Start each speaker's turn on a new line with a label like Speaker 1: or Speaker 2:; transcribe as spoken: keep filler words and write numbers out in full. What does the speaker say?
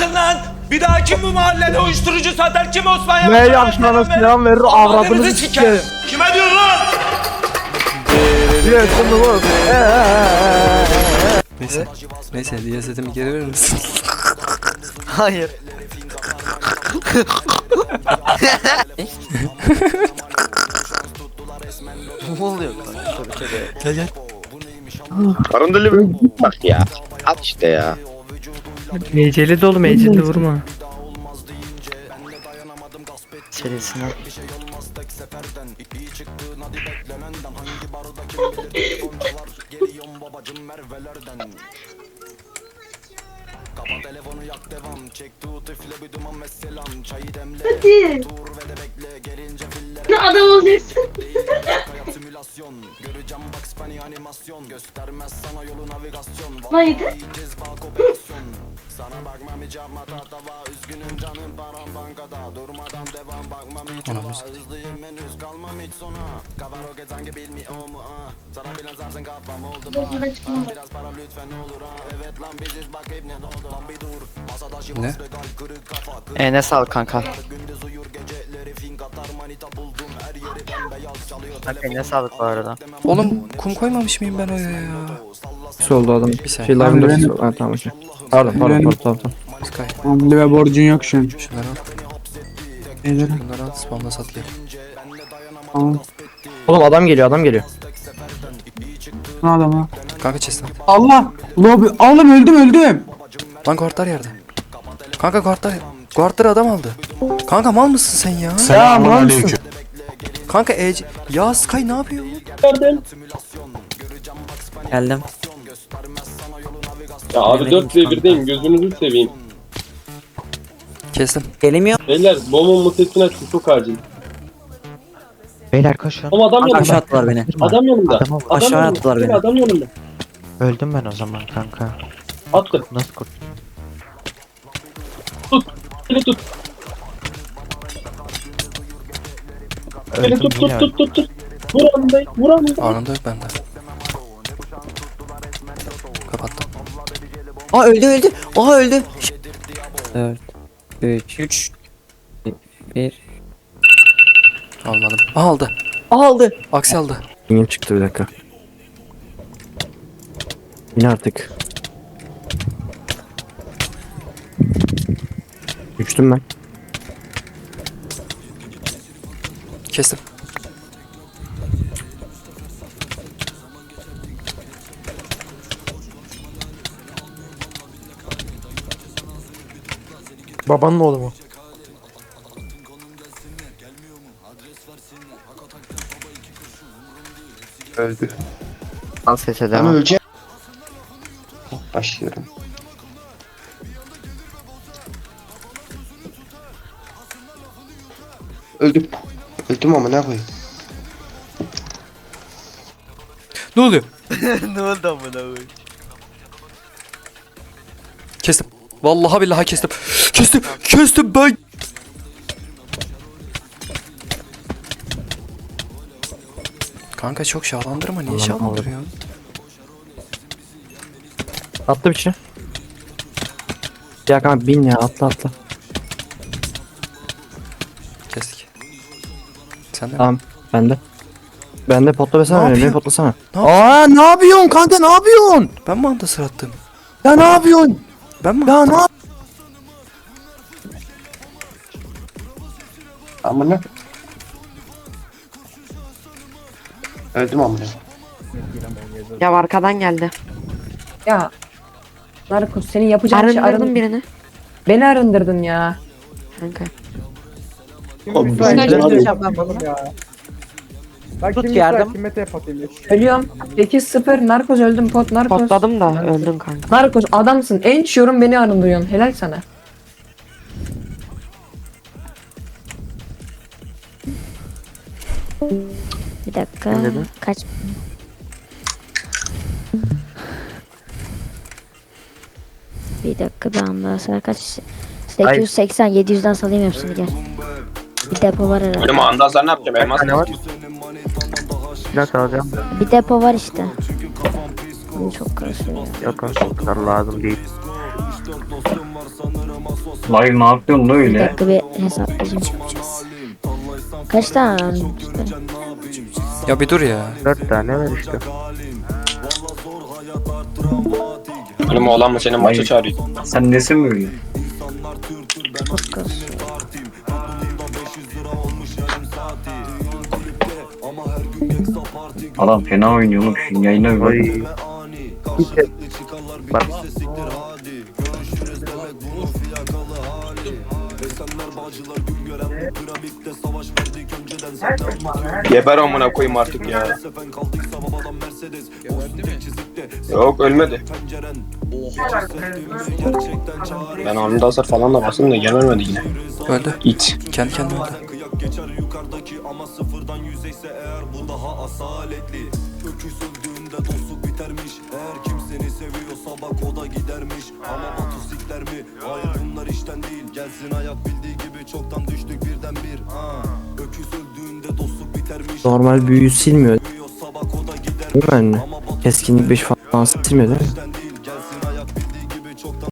Speaker 1: bırakın lan. Bir daha kim bu mahallede uyuşturucu satar, kim Osman
Speaker 2: Ne
Speaker 1: Yavaş'a
Speaker 2: yapacağına selam verir avradınızı sikerim.
Speaker 1: Kime diyorsun lan?
Speaker 2: Yes, bunu bu.
Speaker 3: Neyse. Neyse diye setimi geri verir misin?
Speaker 2: Hayır. Ne oluyor kanka?
Speaker 3: Gel gel.
Speaker 4: Karın dili mi? Bak ya. At işte ya.
Speaker 5: Meceli dolu, meceli vurma.
Speaker 2: Serisine.
Speaker 6: Hadi. Ne adam olacaksın? Neydi?
Speaker 3: Anamız. Ne?
Speaker 2: Eline sağlık kanka. Kanka eline sağlık bu arada.
Speaker 3: Oğlum kum koymamış mıyım ben oraya ya?
Speaker 7: Nasıl oldu adam?
Speaker 3: Bir saniye.
Speaker 7: Şey live'ın dörtüsü. Ha tamam okey. Pardon pardon pardon tamam tamam.
Speaker 3: Sky.
Speaker 7: Hamle ve borcun yok şu an.
Speaker 3: Şunları al.
Speaker 7: Ederim.
Speaker 3: Bunları al. Spawn'da sat gel.
Speaker 7: Tamam.
Speaker 2: Oğlum adam geliyor, adam geliyor.
Speaker 7: Ne adam ha?
Speaker 3: Kanka chest al.
Speaker 7: Allah! Lobi. Oğlum öldüm öldüm.
Speaker 3: Lan guardlar yerde. Kanka guardlar. Guardları adam aldı. Kanka mal mısın sen ya?
Speaker 7: Ya mal mısın?
Speaker 3: Kanka Ece. Ya Sky ne yapıyor?
Speaker 2: Geldim.
Speaker 8: Ya abi dört ve birdeyim, gözünüzü seveyim.
Speaker 3: Kestim.
Speaker 2: Gelemiyor.
Speaker 8: Beyler bomba mutesini açın, çok acil.
Speaker 9: Beyler koşun.
Speaker 8: Ama adam yanımda.
Speaker 9: Aşağı
Speaker 8: Attılar
Speaker 9: beni.
Speaker 8: Adam yanımda.
Speaker 9: Adamı
Speaker 8: Adam
Speaker 9: aşağı
Speaker 8: yanımda.
Speaker 9: attılar
Speaker 8: Beyler,
Speaker 9: beni.
Speaker 8: Adam yanımda.
Speaker 9: Öldüm ben o zaman kanka.
Speaker 8: Attı.
Speaker 9: Nasıl kurt?
Speaker 8: Tut. Beni tut. Beni
Speaker 9: Öldüm
Speaker 8: tut
Speaker 9: yine
Speaker 8: tut tut tut tut. Vur anındayım. Vur anındayım.
Speaker 3: Anında yok bende. Kapattım.
Speaker 2: Aa öldü öldü. Aha öldü.
Speaker 9: dört, üç, üç, bir.
Speaker 3: Almadım. Aha, aldı.
Speaker 2: Aha aldı.
Speaker 3: Aksi aldı.
Speaker 7: Yine çıktı bir dakika. Yine artık. Düştüm ben.
Speaker 3: Kestim.
Speaker 7: Babanın oğlu mu?
Speaker 4: Öldü.
Speaker 9: Al sese
Speaker 4: Ben
Speaker 9: devam.
Speaker 4: öleceğim. Başlıyorum. Öldüm. Öldüm ama ne koyayım?
Speaker 3: Ne oluyor?
Speaker 2: Ne oldu amına koyayım?
Speaker 3: Kestim. Vallahi billahi kestim. Kestim. Kestim ben. Kanka çok şahlandırma. Niye şahlandırıyorsun?
Speaker 7: Atla bir şey. Ya kanka bin ya atla atla.
Speaker 3: Kestik. Sen de mi?
Speaker 7: Tamam bende. Bende potla
Speaker 3: Ne
Speaker 7: besene beni, beni
Speaker 3: yapıyor?
Speaker 7: potlasana.
Speaker 3: Ne
Speaker 7: Aa ne yapıyorsun kanka ne yapıyorsun?
Speaker 3: Ben mi anda sırattım?
Speaker 7: Ya ne yapıyorsun?
Speaker 3: Ben mi?
Speaker 7: Ya ne yap-
Speaker 4: Amına. Öldüm amına.
Speaker 10: Ya arkadan geldi.
Speaker 11: Ya Narkos senin yapacağın şey
Speaker 10: Arındırdım
Speaker 11: arın...
Speaker 10: birini.
Speaker 11: Beni arındırdın ya.
Speaker 10: Kanka.
Speaker 4: Oğlum,
Speaker 11: Ben
Speaker 4: ben-
Speaker 11: de-
Speaker 4: ben-
Speaker 11: Bak Tut yardım. Ölüyorum. sekiz sıfır Narkos öldüm pot Narkos.
Speaker 10: Potladım da öldüm kanka.
Speaker 11: Narkos adamsın. En yorum beni arındırıyorsun. Helal sana.
Speaker 10: Bir dakika. Kaç? Bir dakika ben daha sonra kaç? sekiz yüz seksen yedi yüzden salayım hepsini gel. Bir depo var herhalde.
Speaker 8: Benim andazlar ne yapacağım? Elmas
Speaker 9: Ne var? Silah alacağım.
Speaker 10: Bir depo var işte. Bu çok karışıyor.
Speaker 9: Yok o kadar lazım değil.
Speaker 8: Vay ne yapıyorsun da
Speaker 10: Bir
Speaker 8: öyle?
Speaker 10: dakika bir hesaplayacağım. Kaç tane var?
Speaker 3: Ya bir dur ya.
Speaker 9: Dört tane var işte.
Speaker 8: Oğlum oğlan mı senin maça çağırıyor? Sen nesin böyle?
Speaker 10: Podcast.
Speaker 8: Adam fena oynuyormuş. Yayına bir bak.
Speaker 9: Oy. Bak.
Speaker 8: Geber amına koyayım artık ya. Yok ölmedi. Ben anında hasar falan da bastım da gelmedi yine.
Speaker 3: Öldü.
Speaker 8: İt.
Speaker 3: Kendi kendine öldü.
Speaker 7: Normal büyüyü silmiyor. Değil mi anne? Keskinlik beş falan silmiyor değil mi?